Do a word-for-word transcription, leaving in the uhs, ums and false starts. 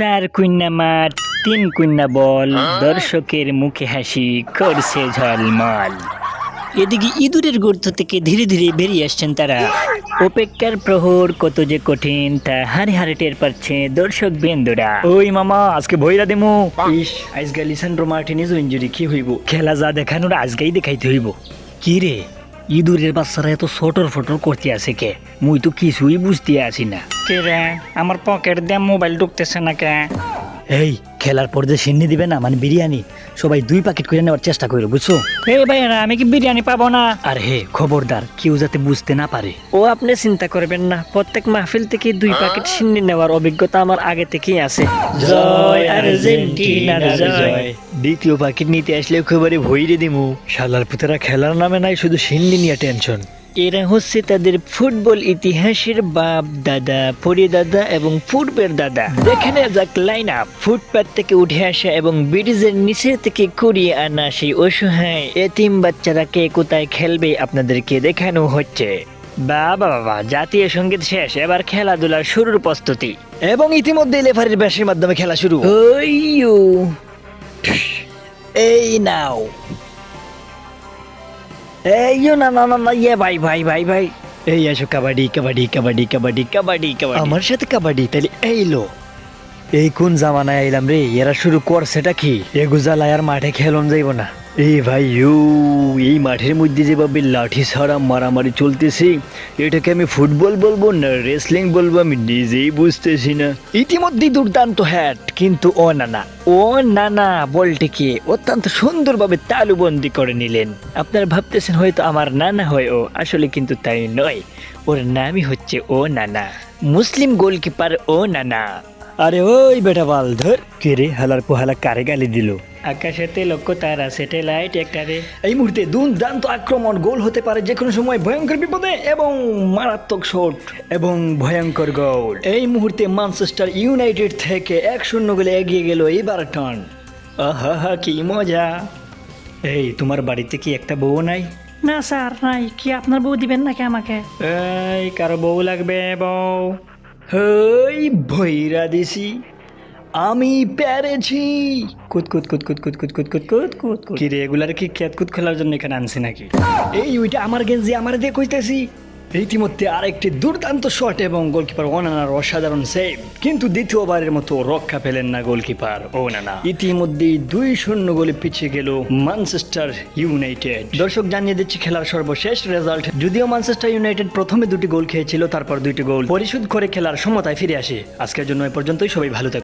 চার কুইন্না মাঠ, তিন কুইন্না বল, দর্শকের মুখে হাসি করছে ঝলমল। এদিকে ইঁদুরের গর্ত থেকে ধীরে ধীরে বেরিয়ে আসছেন তারা। অপেক্ষার প্রহর কত যে কঠিন তা হারে হারে টের পাচ্ছে দর্শক বেন্দুরা। ওই মামা আজকে ভৈরা দেমু। ইস আজকে লিসান্ড্রো মার্টিনেজ ইনজুরি কি হইব? খেলা যা দেখানোর আজকেই দেখাইতে হইব। কি রে ইঁদুরের বাচ্চারা এত সটর ফটর করতে আছে কে? মুই তো কিছুই বুঝতে আসি না। কে রে আমার পকেট দিয়ে মোবাইল ঢুকতেছে না কে? এই খেলার পর যে সিন্নি দিবে না মানে বিরিয়ানি, সবাই দুই প্যাকেট করে নেওয়ার চেষ্টা করো বুঝছো? এই ভাইরা আমি কি বিরিয়ানি পাবো না? আর হে খবরদার কেউ যাতে বুঝতে না পারে। ও আপনি চিন্তা করবেন না, প্রত্যেক মাহফিল থেকে দুই প্যাকেট সিন্নি নেওয়ার অভিজ্ঞতা আমার আগে থেকেই আছে। জয় আর্জেন্টিনার জয়। দ্বিতীয় প্যাকেট নিতে আসলে একেবারে ভইরে দিমু। শালার পুতেরা খেলার নামে নাই শুধু সিন্নি নিয়ে টেনশন। এরা হচ্ছে তাদের ফুটবল ইতিহাসের বাপ দাদা, পরি দাদা এবং পূর্বের দাদা। দেখে নেওয়া যাক লাইন আপ। ফুটপাত থেকে উঠে আসা এবং ব্রিজের নিচে থেকে কুড়িয়ে আনা সেই অসহায় এতিম বাচ্চারা কে কোথায় খেলবে আপনাদেরকে দেখানো হচ্ছে। বাবা বাবা জাতীয় সঙ্গীত শেষ, এবার খেলাধুলার শুরুর প্রস্তুতি। এবং ইতিমধ্যে লেফারির ব্যাসের মাধ্যমে খেলা শুরু। ওইয়ো এই নাও এইও না না না না ইয়ে ভাই ভাই ভাই ভাই এই আসো কাবাডি কাবাডি কাবাডি কাবাডি কাবাডি কাবাডি আমার সাথে কাবাডি। তাহলে এই লো এই কোন জামানায় এলাম রে? এরা শুরু করছেটা কি? এগুজালায় আর মাঠে খেলন যাইব না। এই ভাই ইউ এই মাঠের মধ্যে যেভাবে লাঠি ছাড়া মারামারি চলতেছে, এটাকে আমি ফুটবল বলবো না রেসলিং বলবো আমি নিজেই বুঝতেছি না। ইতিমধ্যে দুর্দান্ত হ্যাট, কিন্তু ও না না ও না না বলটিকে অত্যন্ত সুন্দরভাবে তালুবন্দি করে নিলেন। আপনারা ভাবতেছেন হয়তো আমার নানা হয় ও, আসলে কিন্তু তাই নয়। ওর নামই হচ্ছে ও নানা, মুসলিম গোলকিপার ও নানা। আরে ওই বেটা বাল ধর কে রে? হালার পোহালা কারে গালি দিল? আকাশেতে লক্ষ্য তারা স্যাটেলাইট একটা রে। এই মুহূর্তে দুর্দান্ত আক্রমণ, গোল হতে পারে যে কোনো সময়, ভয়ঙ্কর বিপদে এবং মারাত্মক শট এবং ভয়ঙ্কর গোল। এই মুহূর্তে ম্যানচেস্টার ইউনাইটেড থেকে এক শূন্য গোলে এগিয়ে গেল এভারটন। আহা হা কি মজা। এই তোমার বাড়িতে কি একটা বউ নাই? না স্যার নাই। কি আপনার বউ দিবেন নাকি আমাকে? এই কারো বউ লাগবে? বউ হই ভৈরা দিছি আমি পেরেছি। কুত কুত কুত কুত কুত কুত কুত কুত কুত কুত কুত। কি রে এগুলার কি খেত কুত খেলার জন্য এখানে আনছি নাকি? এই ওইটা আমার গেঞ্জি আমার দিয়ে কইতেছি। ইতিমধ্যে আরেকটি দুর্দান্ত শট এবং গোলকিপার ওনানার অসাধারণ সেভ, কিন্তু দ্বিতীয়বারের মতো রক্ষা পেলেন না গোলকিপার ওনানা। ইতিমধ্যে দুই শূন্য গোলে পিছিয়ে গেল ম্যানচেস্টার ইউনাইটেড। দর্শক জানিয়ে দিচ্ছি খেলার সর্বশেষ রেজাল্ট। যদিও ম্যানচেস্টার ইউনাইটেড প্রথমে দুটি গোল খেয়েছিল, তারপর দুইটি গোল পরিশোধ করে খেলার সমতায় ফিরে আসে। আজকের জন্য এ পর্যন্তই, সবাই ভালো থাকুন।